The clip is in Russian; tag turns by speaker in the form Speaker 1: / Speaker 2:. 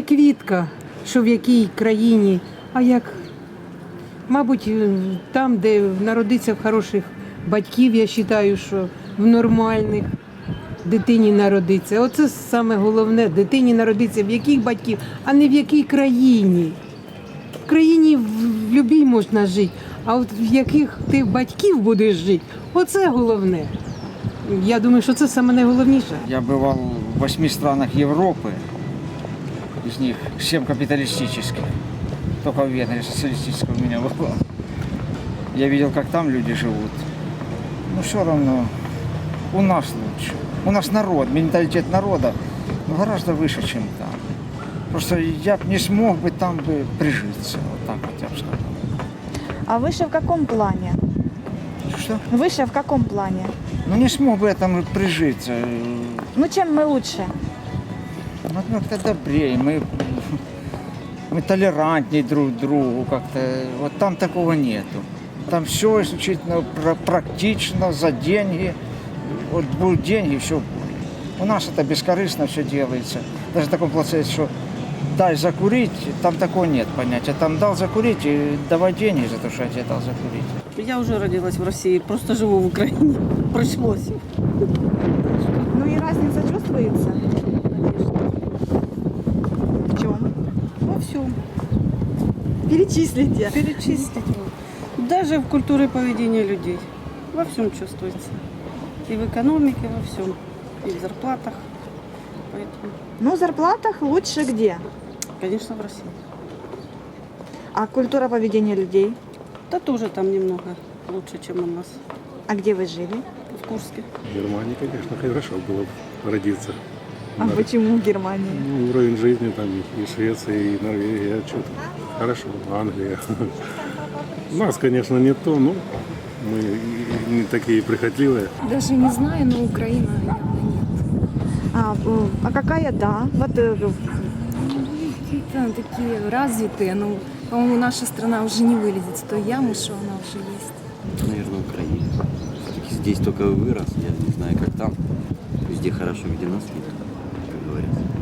Speaker 1: квітка, що в якій країні, а як, мабуть, там, де народиться в хороших батьків, я вважаю, що в нормальних дитині народиться. Оце саме головне, дитині народиться в яких батьків, а не в якій країні. В країні в любій можна жити, а от в яких ти батьків будеш жити, оце головне. Я думаю, що це саме найголовніше.
Speaker 2: Я бывал в 8 странах Европы, из них 7 капиталистических. Только в Венгрии социалистического у меня было. Я видел, как там люди живут. Но все равно у нас лучше. У нас народ, менталитет народа гораздо выше, чем там. Просто я б не смог бы там бы прижиться. Вот так вот я бы сказал.
Speaker 3: А выше в каком плане?
Speaker 2: Что?
Speaker 3: Выше в каком плане?
Speaker 2: Ну не смог бы я там прижиться.
Speaker 3: Ну чем мы лучше?
Speaker 2: Ну, как-то добрее, мы толерантнее друг к другу как-то. Вот там такого нету. Там все исключительно практично, за деньги. Вот будут деньги, все. У нас это бескорыстно все делается. Даже в таком процессе, что дай закурить, там такого нет понятия. Там дал закурить и давай деньги за то, что я тебе дал закурить.
Speaker 4: Я уже родилась в России, просто живу в Украине. Пришлось.
Speaker 3: Ну и разница чувствуется?
Speaker 4: Конечно.
Speaker 3: В чем?
Speaker 4: Во всем.
Speaker 3: Перечислите.
Speaker 4: Перечислить. Даже в культуре поведения людей. Во всем чувствуется. И в экономике, во всем. И в зарплатах. Поэтому,
Speaker 3: Ну, в зарплатах лучше где?
Speaker 4: конечно, в России.
Speaker 3: А культура поведения людей?
Speaker 4: Да тоже там немного лучше, чем у нас.
Speaker 3: А где вы жили?
Speaker 4: В Курске.
Speaker 5: В Германии, конечно, хорошо было бы родиться.
Speaker 3: А почему в Германии?
Speaker 5: Ну, уровень жизни там и Швеция, и Норвегия, что-то хорошо, Англия. У нас, конечно, не то, но мы не такие прихотливые.
Speaker 6: Даже не знаю, но Украина явно нет.
Speaker 3: А какая да? Вот
Speaker 6: Какие-то такие развитые, но, по-моему, наша страна уже не вылезет с той ямы, что она уже есть.
Speaker 7: Наверное, Украина. Все-таки здесь только вырос, я не знаю, как там. Везде хорошо, где нас нет, как говорят.